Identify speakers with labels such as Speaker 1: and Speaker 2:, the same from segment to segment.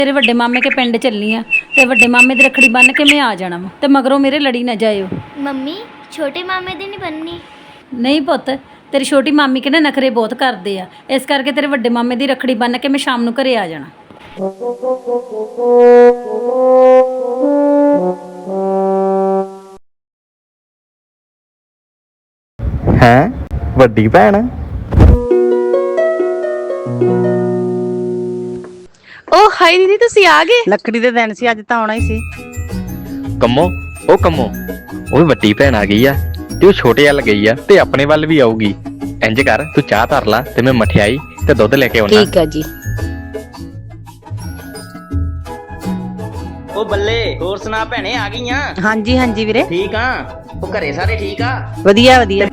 Speaker 1: तेरे वड्डे मामे के पिंड चलनी आ ते वड्डे मामे दी रखड़ी बन के मैं आ जाना वा ते मगरों मेरे लड़ी ना जाइयो।
Speaker 2: मम्मी छोटे मामे दी नहीं बननी।
Speaker 1: नहीं पुत्त, तेरी छोटी मामी के ना नखरे बहुत करदे आ, इस करके तेरे वड्डे मामे दी रखड़ी बन के मैं शाम नूं घरे आ जाना।
Speaker 3: हैं वड्डी भैन
Speaker 4: ओ हाय दीदी तुसी आ गए। लकड़ी दे दिन सी अज तां आउणा ही सी।
Speaker 3: ਕੰਮੋ ਉਹ ਵੀ ਵੱਡੀ ਭੈਣ ਆ ਗਈ ਆ ਤੇ ਉਹ ਛੋਟੇ ਵੱਲ ਗਈ ਆ ਤੇ ਆਪਣੇ ਵੱਲ ਵੀ ਆਊਗੀ। ਇੰਜ ਕਰ ਤੂੰ ਚਾਹ ਧਰ ਲਾ ਤੇ ਮੈਂ ਮਠਿਆਈ ਤੇ ਦੁੱਧ ਲੈ ਕੇ ਆਉਣਾ।
Speaker 4: ਠੀਕ ਆ ਜੀ।
Speaker 5: ਉਹ ਬੱਲੇ ਹੋਰ ਸੁਣਾ ਭੈਣੇ ਆ ਗਈਆਂ?
Speaker 4: ਹਾਂਜੀ ਹਾਂਜੀ ਵੀਰੇ
Speaker 5: ਠੀਕ ਆ। ਉਹ ਘਰੇ ਸਾਰੇ ਠੀਕ ਆ?
Speaker 4: ਵਧੀਆ ਵਧੀਆ।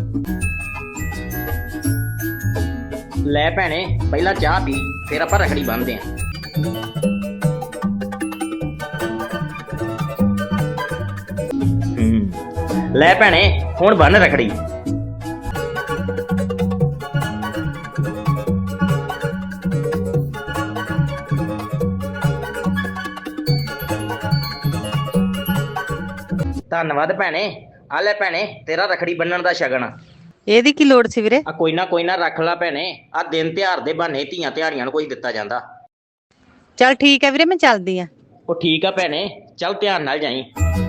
Speaker 5: ਲੈ ਭੈਣੇ ਪਹਿਲਾਂ ਚਾਹ ਪੀ ਫਿਰ ਆਪਾਂ ਰਖੜੀ ਬੰਨ੍ਹਦੇ ਆਂ। ਲੈ ਭੈਣੇ ਹੁਣ ਬੰਨ ਰਖੜੀ। ਧੰਨਵਾਦ ਭੈਣੇ। ਆ ਲੈ ਭੈਣੇ ਤੇਰਾ ਰਖੜੀ ਬੰਨਣ ਦਾ ਸ਼ਗਨ।
Speaker 4: ਇਹਦੀ ਕੀ ਲੋੜ ਸੀ ਵੀਰੇ?
Speaker 5: ਆ ਕੋਈ ਨਾ ਰੱਖ ਲੈ ਭੈਣੇ। ਆ ਦਿਨ ਤਿਉਹਾਰ ਦੇ ਬਹਾਨੇ ਧੀਆਂ ਤਿਹਾੜੀਆਂ ਨੂੰ ਕੋਈ ਦਿੱਤਾ ਜਾਂਦਾ।
Speaker 4: ਚੱਲ ਠੀਕ ਹੈ ਵੀਰੇ ਮੈਂ ਚੱਲਦੀ ਆ।
Speaker 5: ਉਹ ਠੀਕ ਆ ਭੈਣੇ ਚੱਲ ਧਿਆਨ ਨਾਲ ਜਾਈਂ।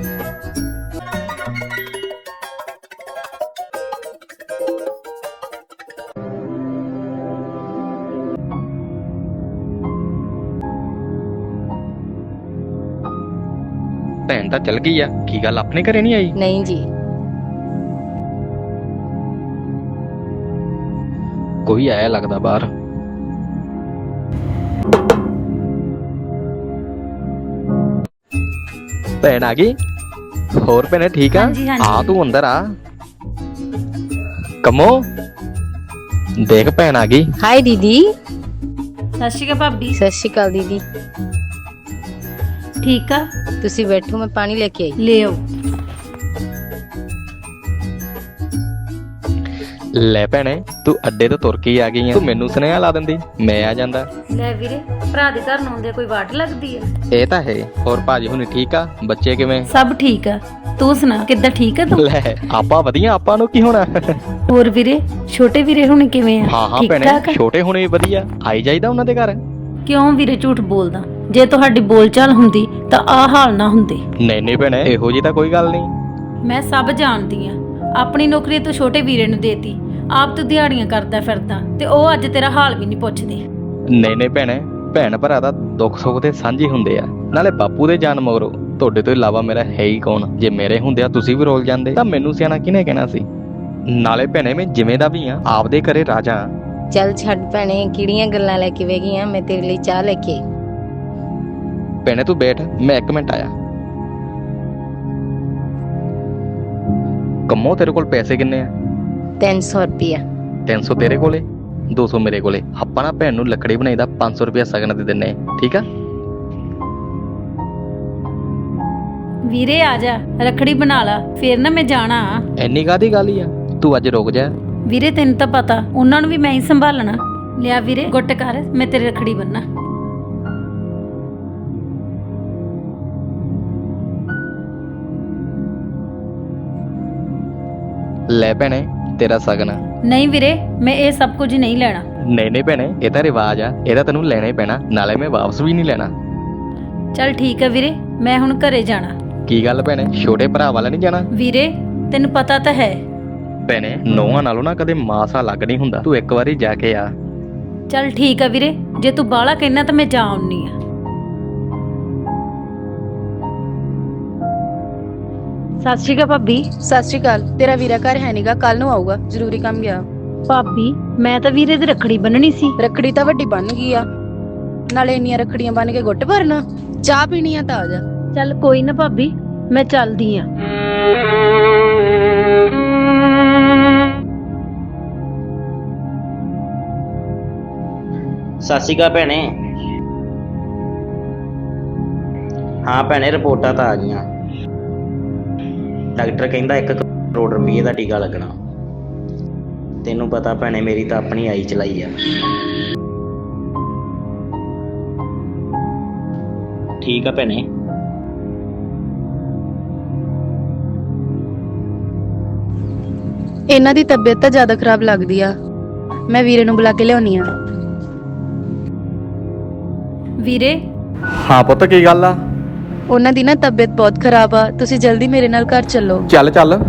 Speaker 3: ਭੈਣ ਤਾਂ ਚਲ ਗਈ ਆ, ਕੀ ਗੱਲ ਆਪਣੇ ਘਰੇ ਨਹੀਂ ਆਈ?
Speaker 4: ਨਹੀਂ ਜੀ।
Speaker 3: ਕੋਈ ਆਇਆ ਲੱਗਦਾ ਬਾਹਰ। ਭੈਣ ਆ ਗਈ? ਹੋਰ ਭੈਣੇ ਠੀਕ ਆ?
Speaker 1: ਹਾਂਜੀ, ਹਾਂਜੀ।
Speaker 3: ਆ ਤੂੰ ਅੰਦਰ ਆ। ਕੰਮੋ ਦੇਖ ਭੈਣ ਆ ਗਈ।
Speaker 4: ਹਾय दीदी।
Speaker 1: ਸਤਿ ਸ਼੍ਰੀ ਅਕਾਲ ਭਾਬੀ।
Speaker 4: ਸਤਿ ਸ਼੍ਰੀ ਅਕਾਲ दीदी।
Speaker 1: ठीक आ,
Speaker 4: ਤੁਸੀਂ ਬੈਠੋ ਮੈਂ ਪਾਣੀ ਲੈ ਕੇ ਆਈ।
Speaker 1: ले आओ।
Speaker 3: ਲੈ ਭੈਣੇ ਤੂੰ ਅੱਡੇ ਤੋਂ ਤੁਰ ਕੇ ਆ ਗਈ ਆ, ਤੂੰ ਮੈਨੂੰ ਸੁਨੇਹਾ ਲਾ ਦਿੰਦੀ ਮੈਂ ਆ ਜਾਂਦਾ।
Speaker 1: ਲੈ ਵੀਰੇ ਭਰਾ ਦੇ ਘਰ ਨੂੰ ਆਉਂਦੇ ਕੋਈ ਵਾਟ ਲੱਗਦੀ ਆ?
Speaker 3: ਇਹ ਤਾਂ ਹੈ। ਹੋਰ ਭਾਜੀ ਹੁਣੀ ਠੀਕ ਆ? ਬੱਚੇ ਕਿਵੇਂ?
Speaker 1: ਸਭ ਠੀਕ ਆ, ਤੂੰ ਸੁਣਾ ਕਿੱਦਾਂ ਠੀਕ ਆ ਤੂੰ?
Speaker 3: ਲੈ ਆਪਾਂ ਵਧੀਆ, ਆਪਾਂ ਨੂੰ ਕੀ ਹੋਣਾ।
Speaker 1: ਹੋਰ ਵੀਰੇ ਛੋਟੇ ਵੀਰੇ ਹੁਣ ਕਿਵੇਂ ਆ?
Speaker 3: ਹਾਂ
Speaker 1: ਠੀਕ
Speaker 3: ਭੈਣੇ
Speaker 1: ਠਾਕ ਆ?
Speaker 3: ਛੋਟੇ ਹੁਣੇ ਵਧੀਆ, ਆਈ ਜਾਈਦਾ ਉਹਨਾਂ ਦੇ ਘਰ।
Speaker 1: ਕਿਉਂ ਵੀਰੇ ਝੂਠ ਬੋਲਦਾ? ਜੇ ਤੁਹਾਡੀ ਬੋਲਚਾਲ ਹੁੰਦੀ ਤਾਂ ਆ ਹਾਲ ਨਾ ਹੁੰਦੇ।
Speaker 3: ਨਹੀਂ ਭੈਣੇ ਇਹੋ ਜੀ ਤਾਂ ਕੋਈ ਗੱਲ ਨਹੀਂ।
Speaker 1: ਮੈਂ ਸਭ ਜਾਣਦੀ ਆ। ਆਪਣੀ ਨੌਕਰੀ ਤੂੰ ਛੋਟੇ ਵੀਰੇ ਨੂੰ ਦੇਤੀ, ਆਪ ਤੂੰ ਦਿਹਾੜੀਆਂ ਕਰਦਾ ਫਿਰਦਾ ਤੇ ਉਹ ਅੱਜ ਤੇਰਾ ਹਾਲ ਵੀ ਨਹੀਂ ਪੁੱਛਦੇ।
Speaker 3: ਨਹੀਂ ਭੈਣੇ ਭੈਣ ਭਰਾ ਦਾ ਦੁੱਖ ਸੁੱਖ ਤੇ ਸਾਂਝੇ ਹੁੰਦੇ ਆ। ਨਾਲੇ ਬਾਪੂ ਦੇ ਜਾਨ ਮਗਰੋਂ ਤੁਹਾਡੇ ਤੋਂ ਇਲਾਵਾ ਮੇਰਾ ਹੈ ਹੀ ਕੌਣ? ਜੇ ਮੇਰੇ ਹੁੰਦੇ ਆ ਤੁਸੀਂ ਵੀ ਰੋਲ ਜਾਂਦੇ ਤਾਂ ਮੈਨੂੰ ਸਿਆਣਾ ਕਿਹਨੇ ਕਹਿਣਾ ਸੀ? ਨਾਲੇ ਭੈਣੇ ਮੈਂ ਜਿਵੇਂ ਦਾ ਵੀ ਆ ਆਪਦੇ ਘਰੇ ਰਾਜਾ।
Speaker 4: ਚੱਲ ਛੱਡ ਭੈਣੇ ਕਿਹੜੀਆਂ ਗੱਲਾਂ ਲੈ ਕੇ ਵੇ ਗਈਆਂ। ਮੈਂ ਤੇਰੇ ਲਈ ਚਾਹ ਲੈ ਕੇ ਆਈ।
Speaker 3: ਭੈਣੇ ਤੂੰ ਬੈਠ, ਮੈਂ 1 ਮਿੰਟ ਆਇਆ। ਕੰਮੋ ਤੇਰੇ ਕੋਲ ਪੈਸੇ ਕਿੰਨੇ ਆ?
Speaker 4: 300 ਰੁਪਿਆ।
Speaker 3: 300 ਤੇਰੇ ਕੋਲੇ, 200 ਮੇਰੇ ਕੋਲੇ। ਆਪਾਂ ਨਾ ਭੈਣ ਨੂੰ ਲੱਕੜੀ ਬਣਾਈ ਦਾ 500 ਰੁਪਇਆ ਸਗਨ ਦੇ ਦਿੰਨੇ, ਠੀਕ ਆ?
Speaker 1: ਵੀਰੇ ਆ ਜਾ ਰੱਖੜੀ ਬਣਾ ਲਾ ਫੇਰ ਨਾ ਮੈਂ ਜਾਣਾ।
Speaker 3: ਐਨੀ ਕਾਹਦੀ ਗੱਲ ਹੀ ਆ, ਤੂੰ ਅੱਜ ਰੁਕ ਜਾ।
Speaker 1: ਵੀਰੇ ਤੈਨੂੰ ਤਾਂ ਪਤਾ ਉਹਨਾਂ ਨੂੰ ਵੀ ਮੈਂ ਹੀ ਸੰਭਾਲਣਾ। ਲਿਆ ਵੀਰੇ ਗੁੱਟ ਕਰ, ਮੈਂ ਤੇਰੀ ਰੱਖੜੀ ਬੰਨਾ।
Speaker 3: ਲੈ ਭੈਣੇ ਤੇਰਾ ਸਗਨ।
Speaker 1: ਨਹੀਂ ਵੀਰੇ ਮੈਂ ਇਹ ਸਭ ਕੁਝ ਨਹੀਂ ਲੈਣਾ।
Speaker 3: ਨਹੀਂ ਭੈਣੇ ਇਹ ਤਾਂ ਰਿਵਾਜ ਆ, ਇਹਦਾ ਤੈਨੂੰ ਲੈਣਾ ਹੀ ਪੈਣਾ। ਨਾਲੇ ਮੈਂ ਵਾਪਸ ਵੀ ਨਹੀਂ ਲੈਣਾ।
Speaker 1: ਚੱਲ ਠੀਕ ਆ ਵੀਰੇ ਮੈਂ ਹੁਣ ਘਰੇ ਜਾਣਾ।
Speaker 3: ਕੀ ਗੱਲ ਭੈਣੇ ਛੋਟੇ ਭਰਾ ਵਾਲਾ ਨਹੀਂ ਜਾਣਾ?
Speaker 1: ਵੀਰੇ ਤੈਨੂੰ ਪਤਾ ਤਾਂ ਹੈ।
Speaker 3: ਭੈਣੇ ਨੌਵਾਂ ਨਾਲੋਂ ਨਾ ਕਦੇ ਮਾਸਾ ਲੱਗ ਨਹੀਂ ਹੁੰਦਾ, ਤੂੰ ਇੱਕ ਵਾਰੀ ਜਾ ਕੇ ਆ।
Speaker 1: ਚੱਲ ਠੀਕ ਆ ਵੀਰੇ ਜੇ ਤੂੰ ਬਾਹਲਾ ਕਹਿਣਾ ਤਾਂ ਮੈਂ ਜਾ ਆਉਣੀ ਆ। ਸਤਿ ਸ਼੍ਰੀ ਅਕਾਲ ਭਾਬੀ।
Speaker 6: ਸਤਿ ਸ਼੍ਰੀ ਅਕਾਲ। ਤੇਰਾ ਵੀਰਾ ਘਰ ਹੈ ਨੀਗਾ, ਕੱਲ ਨੂੰ ਆਊਗਾ, ਜ਼ਰੂਰੀ ਕੰਮ ਗਿਆ।
Speaker 1: ਭਾਬੀ ਮੈਂ ਤਾਂ ਵੀਰੇ ਦੀ ਰੱਖੜੀ ਬੰਨਣੀ ਸੀ।
Speaker 6: ਰੱਖੜੀ ਤਾਂ ਵੱਡੀ ਬਣ ਗਈ ਆ, ਨਾਲੇ ਇੰਨੀਆਂ ਰੱਖੜੀਆਂ ਬੰਨ ਕੇ ਗੁੱਟ ਭਰਨਾ। ਚਾਹ ਪੀਣੀ ਆ ਤਾਂ ਆ ਜਾ।
Speaker 1: ਚੱਲ ਕੋਈ ਨਾ ਭਾਬੀ ਮੈਂ ਚੱਲਦੀ ਆ।
Speaker 5: ਸਤਿ ਸ਼੍ਰੀ ਅਕਾਲ ਭੈਣੇ। ਹਾਂ ਭੈਣੇ ਰਿਪੋਰਟਾਂ ਤਾਂ ਆ ਗਈਆਂ। ਡਾਕਟਰ ਕਹਿੰਦਾ 1 ਕਰੋੜ ਰੁਪਏ ਦਾ ਟੀਕਾ ਲੱਗਣਾ। ਤੈਨੂੰ ਪਤਾ ਭੈਣੇ ਮੇਰੀ ਤਾਂ ਆਪਣੀ ਆਈ ਚਲਾਈ ਆ। ਠੀਕ ਆ ਭੈਣੇ।
Speaker 6: ਇਹਨਾਂ ਦੀ ਤਬੀਅਤ ਤਾਂ ਜ਼ਿਆਦਾ ਖਰਾਬ ਲੱਗਦੀ ਆ। ਮੈਂ ਵੀਰੇ ਨੂੰ ਬੁਲਾ ਕੇ ਲਿਆਉਣੀ ਆ।
Speaker 1: ਵੀਰੇ
Speaker 3: ਹਾਂ ਪੁੱਤ ਕੀ ਗੱਲ ਆ?
Speaker 6: ਉਹਨਾਂ ਦੀ ਨਾ ਤਬੀਅਤ ਬਹੁਤ ਖਰਾਬ ਆ, ਤੁਸੀਂ ਜਲਦੀ ਮੇਰੇ ਨਾਲ ਘਰ ਚੱਲੋ।
Speaker 3: ਚੱਲ ਚੱਲ।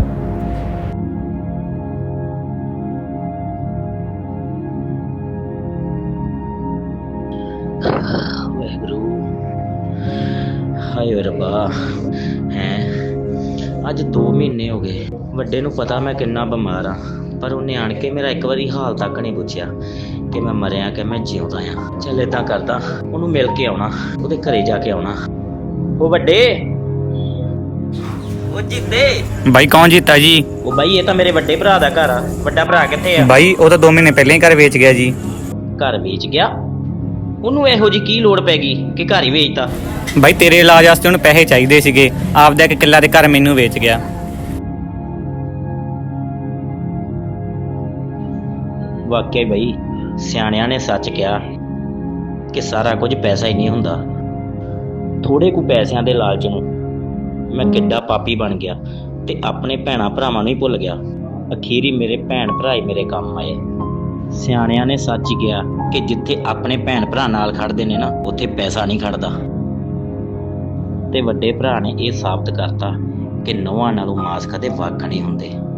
Speaker 5: ਵਾਹਿਗੁਰੂ, ਹਾਏ ਓਏ ਰੱਬਾ। ਹੈ ਅੱਜ 2 ਮਹੀਨੇ ਹੋ ਗਏ। ਵੱਡੇ ਨੂੰ ਪਤਾ ਮੈਂ ਕਿੰਨਾ ਬਿਮਾਰ ਆ, ਪਰ ਉਹਨੇ ਆਣ ਕੇ ਮੇਰਾ ਇੱਕ ਵਾਰੀ ਹਾਲ ਤੱਕ ਨਹੀਂ ਪੁੱਛਿਆ ਕਿ ਮੈਂ ਮਰਿਆ ਕਿ ਮੈਂ ਜਿਉਂਦਾ ਆ। ਚੱਲ ਏਦਾਂ ਕਰਦਾ, ਉਹਨੂੰ ਮਿਲ ਕੇ ਆਉਣਾ, ਉਹਦੇ ਘਰੇ ਜਾ ਕੇ ਆਉਣਾ। ਉਹ ਵੱਡੇ, ਉਹ ਜਿੰਦੇ
Speaker 7: ਬਾਈ ਕੌਣ ਜੀਤਾ ਜੀ?
Speaker 5: ਉਹ ਬਾਈ ਇਹ ਤਾਂ ਮੇਰੇ ਵੱਡੇ ਭਰਾ ਦਾ ਘਰ ਆ। ਵੱਡਾ ਭਰਾ ਕਿੱਥੇ ਆ?
Speaker 7: ਬਾਈ ਉਹ ਤਾਂ 2 ਮਹੀਨੇ ਪਹਿਲਾਂ ਹੀ ਘਰ ਵੇਚ ਗਿਆ ਜੀ।
Speaker 5: ਘਰ ਵੇਚ ਗਿਆ? ਉਹਨੂੰ ਇਹੋ ਜੀ ਕੀ ਲੋੜ ਪੈ ਗਈ ਕਿ ਘਰ ਹੀ ਵੇਚਤਾ?
Speaker 7: ਬਾਈ ਤੇਰੇ ਇਲਾਜ ਵਾਸਤੇ ਉਹਨੂੰ ਪੈਸੇ ਚਾਹੀਦੇ ਸੀਗੇ, ਆਪਦਾ ਇੱਕ ਕਿੱਲਾ ਦੇ ਘਰ ਮੈਨੂੰ ਵੇਚ ਗਿਆ।
Speaker 5: ਵਾਕਿਆ ਬਈ ਸਿਆਣਿਆਂ ਨੇ ਸੱਚ ਕਿਹਾ ਕਿ ਸਾਰਾ ਕੁਝ ਪੈਸਾ ਹੀ ਨਹੀਂ ਹੁੰਦਾ। ਥੋੜੇ ਕੁ ਪੈਸਿਆਂ ਦੇ ਲਾਲਚ ਨੂੰ ਮੈਂ ਕਿੱਡਾ ਪਾਪੀ ਬਣ ਗਿਆ ਤੇ ਆਪਣੇ ਭੈਣਾਂ ਭਰਾਵਾਂ ਨੂੰ ਹੀ ਭੁੱਲ ਗਿਆ। ਅਖੀਰੀ ਮੇਰੇ ਭੈਣ ਭਰਾ ਹੀ ਮੇਰੇ ਕੰਮ ਆਏ। ਸਿਆਣਿਆਂ ਨੇ ਸੱਚ ਹੀ ਕਿਹਾ ਕਿ ਜਿੱਥੇ ਆਪਣੇ ਭੈਣ ਭਰਾ ਨਾਲ ਖੜਦੇ ਨੇ ਨਾ, ਉੱਥੇ ਪੈਸਾ ਨਹੀਂ ਖੜਦਾ। ਤੇ ਵੱਡੇ ਭਰਾ ਨੇ ਇਹ ਸਾਬਤ ਕਰਤਾ ਕਿ ਨੌਹਾਂ ਨਾਲੋਂ ਮਾਸ ਕਦੇ ਵੱਖ ਨਹੀਂ ਹੁੰਦੇ।